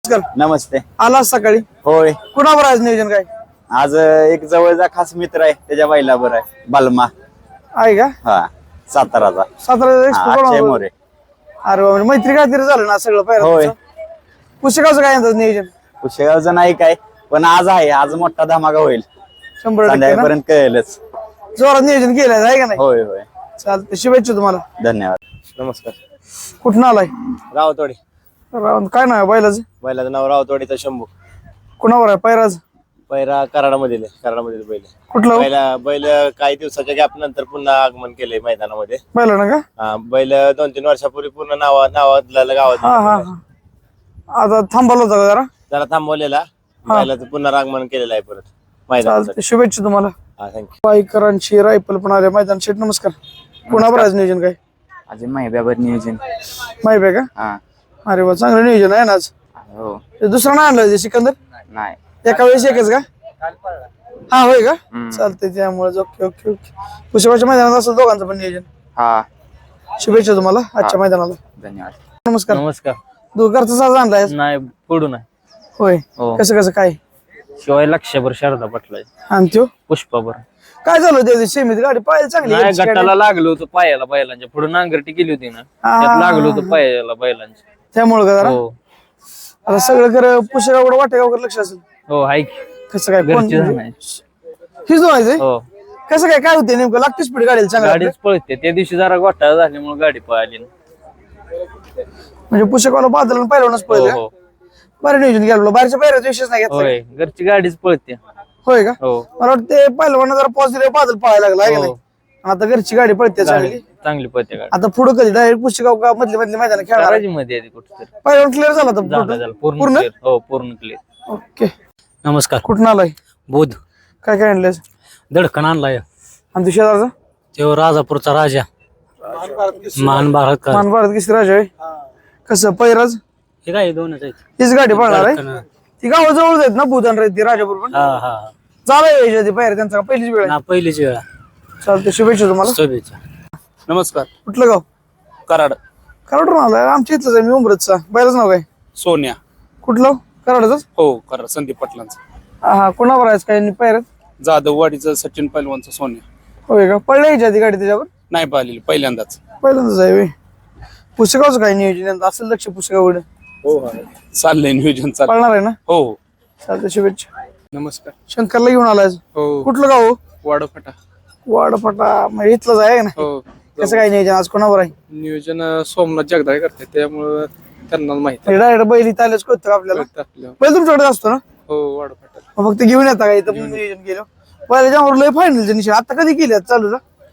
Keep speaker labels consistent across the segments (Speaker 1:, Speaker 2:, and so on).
Speaker 1: नमस्ते.
Speaker 2: आला सकाळी
Speaker 1: होय.
Speaker 2: कुणावर आज नियोजन काय
Speaker 1: आज एक जवळचा खास मित्र आहे त्याच्या बैला बरं आहे बलमा.
Speaker 2: आहे का?
Speaker 1: हा साताराचा.
Speaker 2: सातारा
Speaker 1: मोरे.
Speaker 2: अरे वा, म्हणजे मैत्री काहीतरी झालं ना सगळं
Speaker 1: होय.
Speaker 2: पाहिजे. पुस्तकाचं काय म्हणतात नियोजन?
Speaker 1: कुशेगावचं नाही काय पण आज आहे. आज मोठा धमाका होईल.
Speaker 2: 100%
Speaker 1: संध्याकाळपर्यंत कळेलच.
Speaker 2: जोरात नियोजन केलं आहे का नाही?
Speaker 1: होय होय.
Speaker 2: चालतं, शुभेच्छा तुम्हाला.
Speaker 1: धन्यवाद.
Speaker 3: नमस्कार.
Speaker 2: कुठं आलाय?
Speaker 3: रावतवाडी.
Speaker 2: काय नाव आहे बैलाचं?
Speaker 3: बैलाचं नाव रावतवाडीचा शंभू.
Speaker 2: कुणावर आहे पैराज?
Speaker 3: पैरा कराडामध्ये बैल.
Speaker 2: कुठलं
Speaker 3: बैल काही दिवसाच्या गॅप नंतर पुन्हा आगमन केलंय मैदानामध्ये.
Speaker 2: बैल ना का?
Speaker 3: हा, बैल 2-3 वर्षापूर्वी पूर्ण नावातल्या गावात
Speaker 2: हा हा हा. आता थांबवलं होतं का जरा?
Speaker 3: जरा थांबवलेला बैलाचं पुन्हा आगमन केलेलं आहे परत
Speaker 2: चालतं,
Speaker 3: मैदानासाठी.
Speaker 2: शुभेच्छा तुम्हाला.
Speaker 3: हा, थँक्यू.
Speaker 2: बाईकरांची रायफल पण आले मैदान शेट. नमस्कार. कुणावर आज नियोजन काय?
Speaker 1: अजून माहिती नियोजन.
Speaker 2: माहिती आहे का?
Speaker 1: हा.
Speaker 2: अरे वा, चांगलं नियोजन आहे ना आज.
Speaker 1: हो.
Speaker 2: ते दुसरं नाही आणलं ते सिकंदर?
Speaker 1: नाही.
Speaker 2: एका वेळेस एकच का? हा होय का? चालतंय, त्यामुळे ओके ओके ओके. पुष्पाच्या मैदानात असेल दोघांचं पण नियोजन.
Speaker 1: हा.
Speaker 2: शुभेच्छा तुम्हाला आजच्या मैदानाला.
Speaker 1: धन्यवाद.
Speaker 2: नमस्कार.
Speaker 4: नमस्कार.
Speaker 2: घरचा साज आणलाय?
Speaker 4: नाही पुढून आहे.
Speaker 2: होय.
Speaker 4: हो.
Speaker 2: कसं कसं काय?
Speaker 4: शिवाय लक्षभर शारदा पटलाय.
Speaker 2: आणि त्यो
Speaker 4: पुष्पाभर
Speaker 2: काय झालं त्या दिवशी सेमीत? गाडी पाहायला चांगली
Speaker 4: नाही,
Speaker 2: घरची गाडी.
Speaker 4: गटाला लागलो होतं पायाला बैलांच्या पुढे नांगरटी केली होती ना, त्यात लागलो होतं पायाला बैलांच्या.
Speaker 2: त्यामुळे का जरा?
Speaker 4: हो
Speaker 2: आता सगळं कर पुष्यगावकडे वाटेगावकडे लक्ष असेल.
Speaker 4: हो आहे की.
Speaker 2: कसं काय? कोण
Speaker 4: घरची जाण आहे.
Speaker 2: हीच व्हायचंय?
Speaker 4: हो
Speaker 2: कसं काय होते नेमकं? लागते स्पीड गाडीला चांगली?
Speaker 4: गाडीच पळते. त्या दिवशी जरा घोटाळा झाल्यामुळे गाडी पळाली ना.
Speaker 2: म्हणजे पुष्यगावला बादल पहिलवानच
Speaker 4: हो
Speaker 2: पळले.
Speaker 4: हो
Speaker 2: बरं नियोजन केलं. बाहेरच्या पायऱ्याचा विषयच नाही घेतला.
Speaker 4: होय, घरची गाडीच पळते.
Speaker 2: होय का?
Speaker 4: हो
Speaker 2: मला वाटतं पहिलवान जरा पॉझिटिव्ह बादल पळायला लागला आहे का
Speaker 4: हो.
Speaker 2: नाही? आणि आता घरची गाडी पळते चांगली.
Speaker 4: चांगली पळते गाडी.
Speaker 2: आता पुढे कधी डायरेक्ट पुष्यगाव का मधले मैदान खेळणार?
Speaker 4: कराजी मध्ये आहे कुठेतरी.
Speaker 2: पहिलवान क्लिअर झाला
Speaker 4: झालं
Speaker 2: तर
Speaker 4: झालं पूर्ण clear. हो पूर्ण क्लिअर.
Speaker 2: ओके.
Speaker 5: नमस्कार.
Speaker 2: कुठून आलाय?
Speaker 5: बोध
Speaker 2: काय काय आणलंय?
Speaker 5: दडकण आणलाय.
Speaker 2: आणि तू शेजारचा?
Speaker 5: तो राजापूरचा राजा महान भारत.
Speaker 2: मान भारत केसरी राजा आहे. कसं पैराज?
Speaker 5: हे काय दोनच आहेत.
Speaker 2: हीच गाडी पळणार आहे?
Speaker 5: दडकण.
Speaker 2: ती गावाजवळच आहेत ना बुधान ती राजापूर पण?
Speaker 5: हा हा.
Speaker 2: चालाय यायच्या आधी पायऱ्या त्यांचा पहिलीच वेळ आहे.
Speaker 5: ना पहिलीच वेळा.
Speaker 2: चालते, शुभेच्छा तुम्हाला.
Speaker 5: शुभेच्छा.
Speaker 6: नमस्कार.
Speaker 2: कुठलं गाव?
Speaker 6: कराड.
Speaker 2: कराडून आलाय? आमच्या इथलंच आहे मी, उमरतचा. बैलाच नाव काय?
Speaker 6: सोन्या.
Speaker 2: कुठलं? कराडच?
Speaker 6: हो कराड. संदीप पाटलांचं.
Speaker 2: हा. कोणावर आहे काय पायऱ्यात?
Speaker 6: जाधववाडीचं सचिन पैलवानचं सोन्या.
Speaker 2: होय का? पडलं यायच्या आधी गाडी त्याच्यावर?
Speaker 6: नाही पाहिलेली पहिल्यांदाच.
Speaker 2: पहिल्यांदाच आहे. पुस्तकाचं काय नियोजन असेल लक्ष पुस्तकाकडे?
Speaker 6: हो चाललंय नियोजन चाललंय.
Speaker 2: पळणार आहे ना?
Speaker 6: हो.
Speaker 2: चालते, शुभेच्छा.
Speaker 6: नमस्कार.
Speaker 2: शंकरला घेऊन आलाय?
Speaker 6: हो.
Speaker 2: कुठलं गाव?
Speaker 6: वाडफटा.
Speaker 2: वाडफटा. म्हणजे इथलंच आहे ना?
Speaker 6: हो.
Speaker 2: कसं काय नियोजन आज कोणावर आहे?
Speaker 6: नियोजन सोमनाथ जगदाळे करते त्यामुळं त्यांना माहिती
Speaker 2: डायरेक्ट बैल इथं आल्याच कळतं का आपल्याला?
Speaker 6: आपल्या.
Speaker 2: बैल तुमच्याकडे असतो ना?
Speaker 6: हो वाडफटा.
Speaker 2: मग फक्त घेऊन येता का इथं नियोजन केलं? पहिल्याच्या लय फायनलचं निश्चित. आता कधी केली चालू?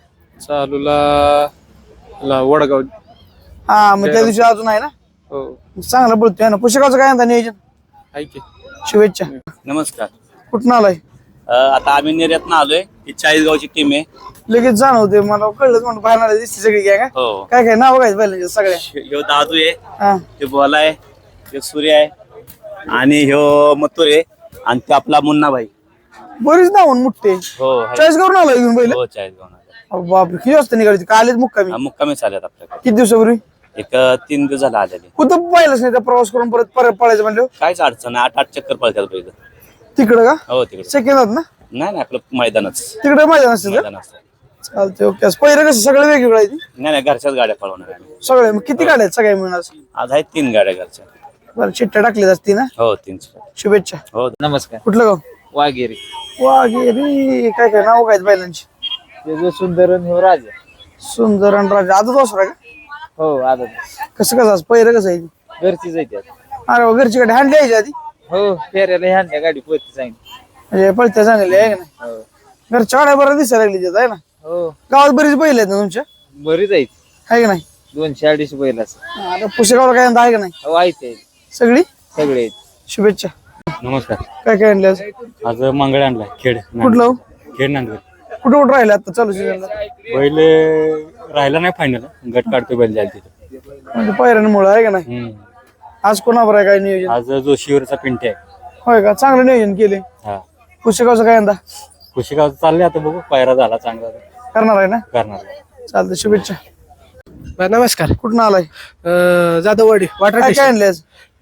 Speaker 6: चालूला वडगाव.
Speaker 2: हा, मग त्या दिवशी अजून आहे ना?
Speaker 6: हो
Speaker 2: चांगला बोलतोय ना. पुस्तकाचं काय म्हणता नियोजन?
Speaker 6: आहे की.
Speaker 2: शुभेच्छा.
Speaker 1: नमस्कार.
Speaker 2: कुठून आलाय?
Speaker 1: आता आम्ही निर्यात आलोय. ही 40 गावची टीम आहे.
Speaker 2: लगेच जाणवते मला, कळलंच म्हणून बाहेर दिसते सगळी काय का?
Speaker 1: हो.
Speaker 2: काय काय नाव काय पहिल्यांच्या सगळ्या?
Speaker 1: ह्यो दादू आहे.
Speaker 2: हा.
Speaker 1: ते बोला आहे. ते सूर्य आहे. आणि ह्यो मथुर आहे. आणि ते आपला मुन्नाभाई.
Speaker 2: बरीच नाव मोठे.
Speaker 1: हो आहे.
Speaker 2: चॉईस करून आलाय घेऊन बैल?
Speaker 1: हो 40 गाव.
Speaker 2: बापरे, किती वाजता निघाली? कालेच मुक्कामी?
Speaker 1: मुक्कामी चालत आपल्याकडे.
Speaker 2: किती दिवसापूर्वी?
Speaker 1: एक 3 दिवस झाला आलेले.
Speaker 2: कुठं पाहिलंच नाही त्या प्रवास करून परत परत पळायचं म्हणलं?
Speaker 1: काहीच अडचण नाही. 8-8 चक्कर पळतात पहिलं.
Speaker 2: तिकडं का?
Speaker 1: हो तिकडे.
Speaker 2: सेकंदात ना?
Speaker 1: नाही आपलं मैदानच.
Speaker 2: तिकडे मैदान असते का?
Speaker 1: मैदान असतं.
Speaker 2: चालते, ओके. पहिलं कसं सगळं वेगवेगळं आहे ती?
Speaker 1: नाही घरच्याच गाड्या पळवणार आहे आम्ही.
Speaker 2: सगळे मग किती गाड्या आहेत सगळ्या मिळून आज?
Speaker 1: आज आहेत 3 गाड्या घरच्या.
Speaker 2: बरं, चिठ्ठ्या टाकली असती ना?
Speaker 1: हो 3.
Speaker 2: शुभेच्छा.
Speaker 1: हो.
Speaker 4: नमस्कार.
Speaker 2: कुठलं गाव?
Speaker 4: वाघेरी.
Speaker 2: वाघेरी. काय काय नाव काय बैलांची?
Speaker 4: त्याचं सुंदर आणि राजा.
Speaker 2: सुंदर आणि राजा. आजच वासरा का?
Speaker 4: हो आदत.
Speaker 2: कसं कसं आज पहिलं कसं आहे?
Speaker 4: घरचीच आहे त्यात.
Speaker 2: अरे वा, घरची गाडी हँडली यायची आधी?
Speaker 4: हो फेऱ्याला ह्या गाडी पळते चांगली.
Speaker 2: म्हणजे पळत्या चांगली आहे का नाही?
Speaker 4: हो
Speaker 2: घरच्या गाड्या बरं दिसायला लागली त्यात आहे ना?
Speaker 4: हो
Speaker 2: गावात बरीच बैल आहेत ना तुमच्या?
Speaker 4: बरीच आहेत.
Speaker 2: आहे का नाही?
Speaker 4: 200-250 बैल असं.
Speaker 2: आता पुस्तकावर काय आहे का नाही?
Speaker 4: हो आहेत ते
Speaker 2: सगळी?
Speaker 4: सगळे आहेत.
Speaker 2: शुभेच्छा.
Speaker 5: नमस्कार.
Speaker 2: काय काय आणले आज?
Speaker 5: आज मंगळ आणलाय. खेड.
Speaker 2: कुठलं?
Speaker 5: खेड नांदूर.
Speaker 2: कुठं कुठं राहिले आता चालू सीझनला?
Speaker 5: बैल राहिला नाही फायनल. गट काढतो बैल जायला तिथे.
Speaker 2: म्हणजे पायऱ्यांमुळे आहे का नाही? आज कोणावर आहे काय नियोजन?
Speaker 5: आज जो शिवरचा पिंटे आहे.
Speaker 2: होय का? चांगलं नियोजन केले.
Speaker 5: हा.
Speaker 2: पुस्तकाचं काय यंदा
Speaker 5: कुशिगाव चालले आता बघू. पायरा झाला चांगला
Speaker 2: करणार आहे ना?
Speaker 5: करणार.
Speaker 2: चालतं, शुभेच्छा.
Speaker 7: नमस्कार.
Speaker 2: कुठून आलाय?
Speaker 7: जाधववाडी वाटर
Speaker 2: काय काय आणले आज?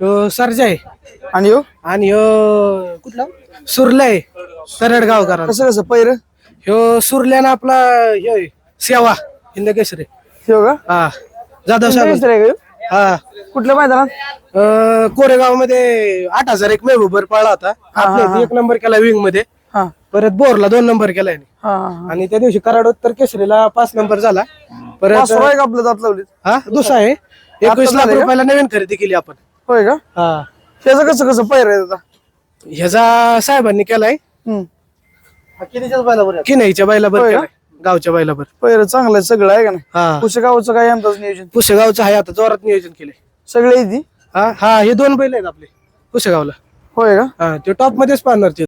Speaker 7: सरजा आहे
Speaker 2: आणि हो
Speaker 7: आणि कुठला सुरला आहे तरडगावकर.
Speaker 2: कसं कसं पैर
Speaker 7: ह्यो सुरल्यानं आपला हे सेवा हिंद केसरी
Speaker 2: हो का
Speaker 7: हा जाधव साहेब
Speaker 2: दुसरं आहे का ह्यो?
Speaker 7: हा
Speaker 2: कुठल्या मैदानात
Speaker 7: कोरेगाव मध्ये 8,000 एक मेहबूबर पळला होता. आपल्या इथे 1 नंबर केला विंग मध्ये.
Speaker 2: हा
Speaker 7: परत बोरला 2 नंबर केला याने.
Speaker 2: हा
Speaker 7: आणि त्या दिवशी कराड उत्तर केसरीला 5 नंबर झाला. परत
Speaker 2: वासरू आहे का आपलं दात लावलीत
Speaker 7: हा दुसरा आहे 21 लाख
Speaker 2: झालंय का?
Speaker 7: रुपयाला नवीन खरेदी केली आपण.
Speaker 2: होय का
Speaker 7: हा
Speaker 2: त्याचं कसं कसं पैर आहे आता
Speaker 7: ह्याचा साहेबांनी केलाय किनईच्या बैलाबर
Speaker 2: होय का?
Speaker 7: केलाय गावच्या बैलाबर.
Speaker 2: पैर चांगलं आहे सगळं आहे का नाही
Speaker 7: हा
Speaker 2: पुसेगावचं काय यंदाच नियोजन
Speaker 7: पुसेगावचं आहे आता जोरात नियोजन केलंय.
Speaker 2: सगळे येते
Speaker 7: हा हे 2 बैल आहेत आपले पुसेगावला.
Speaker 2: होय का
Speaker 7: हा ते टॉप मध्येच पाहणार ते.